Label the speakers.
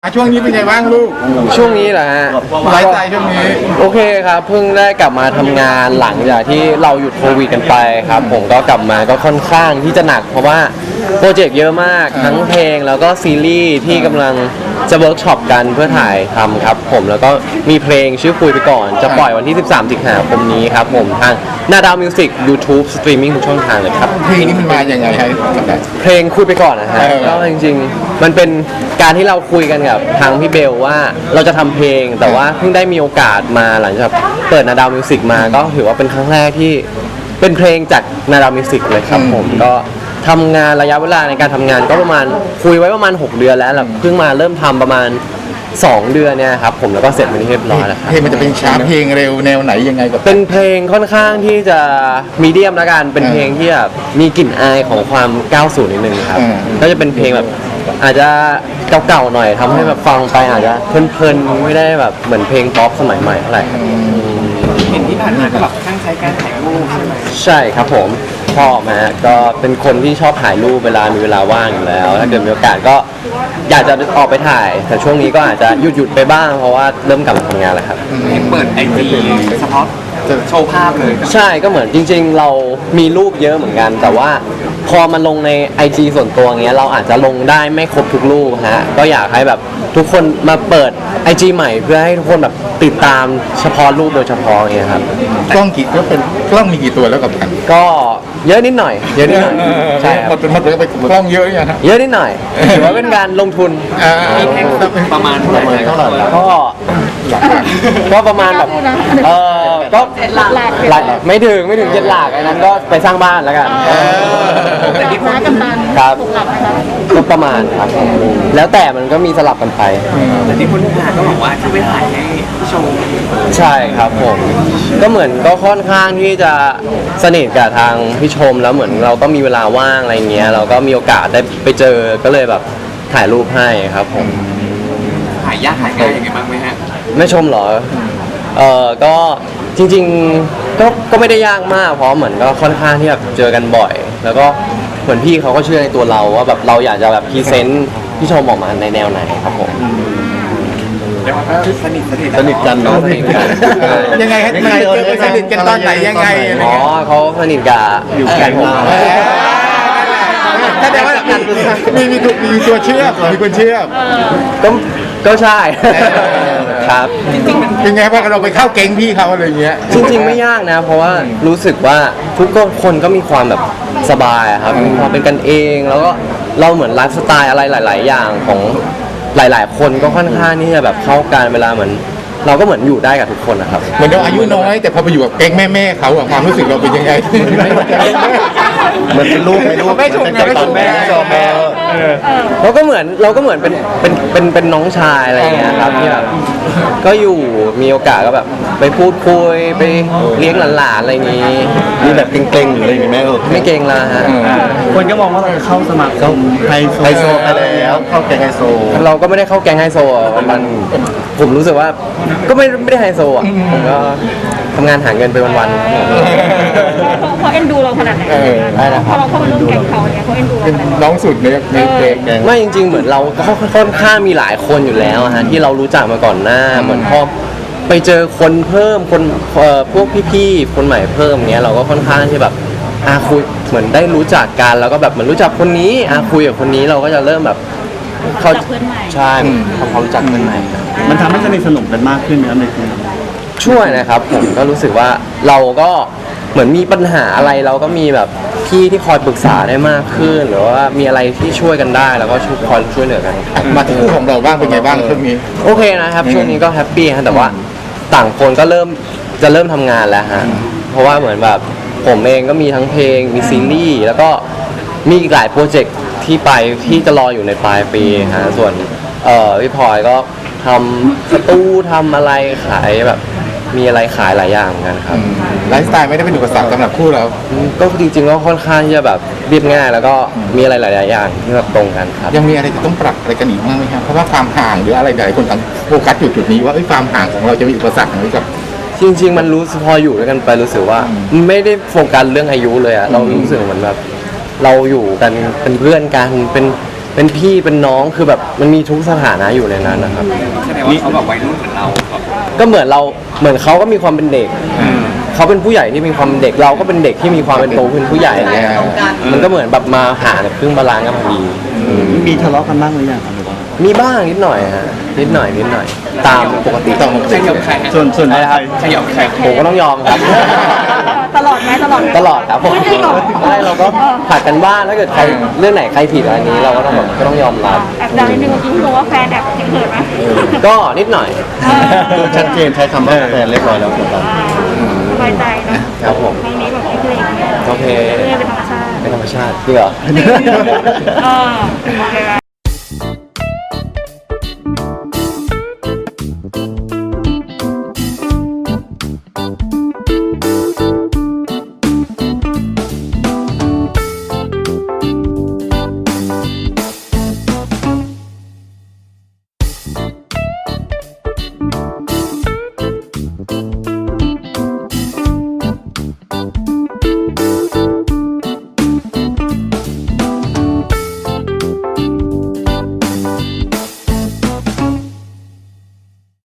Speaker 1: ช่วงนี้เป็นไงบ้างลูก
Speaker 2: ช่วงนี้เหรอฮะ
Speaker 1: ไลฟ์สไตล์ช่วงนี้
Speaker 2: โอเคครับเพิ่งได้กลับมาทำงานหลังจากที่เราหยุดโควิดกันไปครับผมก็กลับมาก็ค่อนข้างที่จะหนักเพราะว่าโปรเจกต์เยอะมากทั้งเพลงแล้วก็ซีรีส์ที่กำลังจะเวิร์กช็อปกันเพื่อถ่ายทำครับผมแล้วก็มีเพลงชื่อคุยไปก่อนจะปล่อยวันที่13 สิงหาคมนี้ครับผมทางนาดาวมิวสิก YouTube สตรีมมิ่งทุกช่องทางเลยครับ
Speaker 1: เพลงนี้มันมาอย่างไงฮะ
Speaker 2: เพลงคุยไปก่อนนะฮะก็จริงๆมันเป็นการที่เราคุยกันกับทางพี่เบลว่าเราจะทำเพลงแต่ว่าเพิ่งได้มีโอกาสมาหลังจากเปิดนาดาวมิวสิกมาก็ถือว่าเป็นครั้งแรกที่เป็นเพลงจากนาดาวมิวสิกเลยครับผมก็ทำงานระยะเวลาในการทำงานก็ประมาณคุยไว้ประมาณ6 เดือนแล้วเพิ่งมาเริ่มทำประมาณ2 เดือนเนี่ยครับผมแล้วก็เสร็จเป็นที่เรียบร้อยแล้วครับ
Speaker 1: เพลงมันจะเป็นช้าเพลงเร็วแนวไหนยังไงกับ
Speaker 2: เป็นเพลงค่อนข้างที่จะมีเดียมละกันเป็นเพลงที่แบบมีกลิ่นอายของความ90นิดนึงครับก็จะเป็นเพลงแบบอาจจะเก่าๆหน่อยทำให้แบบฟังไปอาจจะเพลินๆไม่ได้แบบเหมือนเพลงป๊อปสมัยใหม่เท่าไหร่
Speaker 3: เห็นที่ผ่านมาก็แบบตั้งใจการถ่ายรูปใช่ไหม
Speaker 2: ใช่ครับผมชอบนะก็เป็นคนที่ชอบถ่ายรูปเวลามีเวลาว่างอยู่แล้วถ้าเกิดมีโอกาสก็อยากจะออกไปถ่ายแต่ช่วงนี้ก็อาจจะหยุดไปบ้างเพราะว่าเริ่มกลับมาทำงานแล้วครับ
Speaker 3: เห็นเปิดIGเฉพาะโชว์ภาพเลย
Speaker 2: ใช่ก็เหมือนจริงๆเรามีรูปเยอะเหมือนกันแต่ว่าพอมันลงใน IG ส่วนตัวเงี้ยเราอาจจะลงได้ไม่ครบทุกรูปฮะก็อยากให้แบบทุกคนมาเปิด IG ใหม่เพื่อให้ทุกคนแบบติดตามเฉพาะรูปโดยเฉพาะเงี้ยครับ
Speaker 1: กล้องกี่ก็เป็นกล้องมีกี่ตัวแล้วกับกัน
Speaker 2: ก็เยอะนิดหน่อยเยอะนิดหน่อยใช่ครับ
Speaker 1: มันเป็นกล้องเยอะอย่าง
Speaker 2: เยอะนิดหน่อยถือว่าเป็นการลงทุน
Speaker 3: ประมาณเท่าไหร่
Speaker 2: ก็ประมาณแบบก็หลักไม่ถึง7 หลักอันนั้นก็ไปสร้างบ้านแล้วกัน
Speaker 4: แต่ที่พูดกันตัน
Speaker 2: ครับก็ประมาณครับแล้วแต่มันก็มีสลับกันไป
Speaker 3: แต่ที่พูดมาก็บอกว่าที่ไม่ถ่ายให้โชว์
Speaker 2: ใช่ครับผมก็เหมือนก็ค่อนข้างที่จะสนิทกับทางพี่ชมแล้วเหมือนเราก็มีเวลาว่างอะไรเงี้ยเราก็มีโอกาสได้ไปเจอก็เลยแบบถ่ายรูปให้ครับผม
Speaker 3: ถ่ายยากถ่ายง่ายยังไงบ้างไหมฮะ
Speaker 2: ไม่ชมเหรอก็จริงๆก็ไม่ได้ยากมากเพราะเหมือนก็ค่อนข้างที่แบบเจอกันบ่อยแล้วก็เหมือนพี่เขาก็เชื่อในตัวเราว่าแบบเราอยากจะแบบพรีเซนต์พี่ชมออกมาในแนวไหนครับผม
Speaker 3: สนิท
Speaker 1: กันเนาะยังไงฮะสนิทกันตอนไหนยังไง
Speaker 2: อ๋อเขาสนิทกับอยู่แกันผม
Speaker 1: ถ้าแต่ว่ามีตัวเชื่อมมีคนเชื่อม
Speaker 2: ก็ใช่ครับ
Speaker 1: จริงๆเป็นไงบ้างเราไปเข้าเก๊งพี่เขาอะไรเงี้ย
Speaker 2: จริงๆไม่ยากนะเพราะว่ารู้สึกว่าทุกคนก็มีความแบบสบายครับมีความเป็นกันเองแล้วก็เราเหมือนไลฟ์สไตล์อะไรหลายๆอย่างของหลายๆคนก็ค่อนข้างที่จะแบบเข้ากันเวลาเหมือนเราก็เหมือนอยู่ได้กับทุกคนนะครับ
Speaker 1: เหมือนเราอายุน้อยแต่พอไปอยู่กับแก๊งแม่เขาอะความรู้สึกเราเป็นยังไง
Speaker 2: เหมือนเป็นลูก
Speaker 1: ไม่ถูกนะไม่ถูกแม่
Speaker 2: เราก็เหมือนเป็นน้องชายอะไรอย่างเงี้ยครับที่แบบก็อยู่มีโอกาสก็แบบไปพูดคุยไปเลี้ยงหลานๆอะไรอย่างงี้
Speaker 1: มีแบบเก่งๆหรืออะไรอย่างเงี้ยแม่
Speaker 2: ไม่เก่งละฮะ
Speaker 3: คนก็มองว่าเราจะเข้าสมัคร
Speaker 1: ไฮโซไปแล้วเข้าแก๊งไฮโซ
Speaker 2: เราก็ไม่ได้เข้าแก๊งไฮโซมันผมรู้สึกว่าก็ไม่ได้ไฮโซอ่ะผมก็ทำงานหาเงินไปวัน
Speaker 4: ๆเขาเอ็นดูเราขนาดไหน
Speaker 2: ได้นะค
Speaker 4: พ
Speaker 2: รั
Speaker 4: อเราเข้ามาร่วมแก๊งเขาเนี่ยเขาเอ็นดูเราขนาดไหน
Speaker 1: น้องสุดในแก๊ง
Speaker 2: ไม่จริงๆเหมือนเราก็ค่อนข้างมีหลายคนอยู่แล้วฮะที่เรารู้จักมาก่อนหน้าเหมือนพอไปเจอคนเพิ่มคนพวกพี่ๆคนใหม่เพิ่มเนี้ยเราก็ค่อนข้างที่แบบคุยเหมือนได้รู้จักกันแล้วก็แบบเหมือนรู้จักคนนี้คุยกับคนนี้เราก็จะเริ่มแบบ
Speaker 4: เขาเพื่อนใหม่
Speaker 2: ใช่ทำความรู้จักเพื่อนใหม่
Speaker 3: มันทำให้สนิทสนมกันมากขึ้นนะครับในทีม
Speaker 2: ช่วยนะครับผมก็รู้สึกว่าเราก็เหมือนมีปัญหาอะไรเราก็มีแบบพี่ที่คอยปรึกษาได้มากขึ้นหรือว่ามีอะไรที่ช่วยกันได้แล้วก็คอยช่วยเหลือกัน
Speaker 1: มาที่คู่ของเราบ้างเป็นไงบ้างช่วงนี้
Speaker 2: โอเคนะครับช่วงนี้ก็แฮปปี้ฮะแต่ว่าต่างคนก็เริ่มทำงานแล้วฮะเพราะว่าเหมือนแบบผมเองก็มีทั้งเพลงมีซีรีส์แล้วก็มีอีกหลายโปรเจกต์ที่จะรออยู่ในปลายปีฮะส่วนพี่พลอยก็ทำสตูทำอะไรขายแบบมีอะไรขายหลายอย่างกันครับ
Speaker 1: ไลฟ์สไตล์ไม่ได้เป็นอุปสรรคสำหรับคู่เรา
Speaker 2: ก็จริงๆก็ค่อนข้างที่จะแบบเรียบง่ายแล้วก็มีอะไรหลายๆอย่างที่แบบตรงกันครับ
Speaker 1: ยังมีอะไรจะต้องปรับอะไรกันอีกบ้างไหมครับเพราะว่าความห่างหรืออะไรหลายคนต่างโฟกัสอยู่จุดนี้ว่าความห่างของเราจะมีอุปสรรคไหมกับ
Speaker 2: จริงๆมันรู้พออยู่ด้วยกันไปรู้สึกว่าไม่ได้โฟกัสเรื่องอายุเลยอะเรารู้สึกเหมือนแบบเราอยู่กันเป็นเพื่อนกันเป็นเป็นพี่เป็นน้องคือแบบมันมีทุกสถานะอยู่ในนั้นนะครับ
Speaker 3: แสดงว่าเขาแบบวัยรุ่นเหมือนเราครับ
Speaker 2: ก็เหมือนเขาก็มีความเป็นเด็ก เขาเป็นผู้ใหญ่ที่มีความเป็นเด็กเราก็เป็นเด็กที่มีความเป็นโตเป็นผู้ใหญ่อะไรเงี้ยมันก็เหมือนแบบมาหาครึ่งบาลานซ์กันพอดี
Speaker 5: มีทะเลาะกันบ้างหรือยังครับหรือว่า
Speaker 2: มีบ้างนิดหน่อยฮะนิดหน่อยตามปกติ
Speaker 1: ต้อง
Speaker 3: ใครยอมใครฮะ
Speaker 5: ส่วน
Speaker 2: อะไรนะครับ
Speaker 3: ใครยอมใคร
Speaker 2: ผมก็ต้องยอมครับ
Speaker 4: ตลอดไหมตลอด
Speaker 2: ตลอดครับผม
Speaker 4: ไม่ได้หรอก
Speaker 2: ใช่เราก็ผัดกันบ้างถ้าเกิดใครเรื่องไหนใครผิดอะไรนี้เราก็ต้องแบบก็ต้องยอมรับ
Speaker 4: แอบดังนิดนึงเมื่อกี้รู้ว่าแฟนแอบเขินไหม
Speaker 2: ก็นิดหน่อย
Speaker 5: คือชัดเจนใช้คำว่าแฟนเรียบร้อยแล้วถูกต้อง
Speaker 4: สบายใจนะครับ
Speaker 2: ผม
Speaker 4: ครั้งนี้แบบไม่เคยอย่างเงี้ย
Speaker 2: โอเค
Speaker 4: เรื่อยเป็นธรรมชาติ
Speaker 2: เป็นธรรมชาติจริงเหรอ
Speaker 4: เออโอเคไหม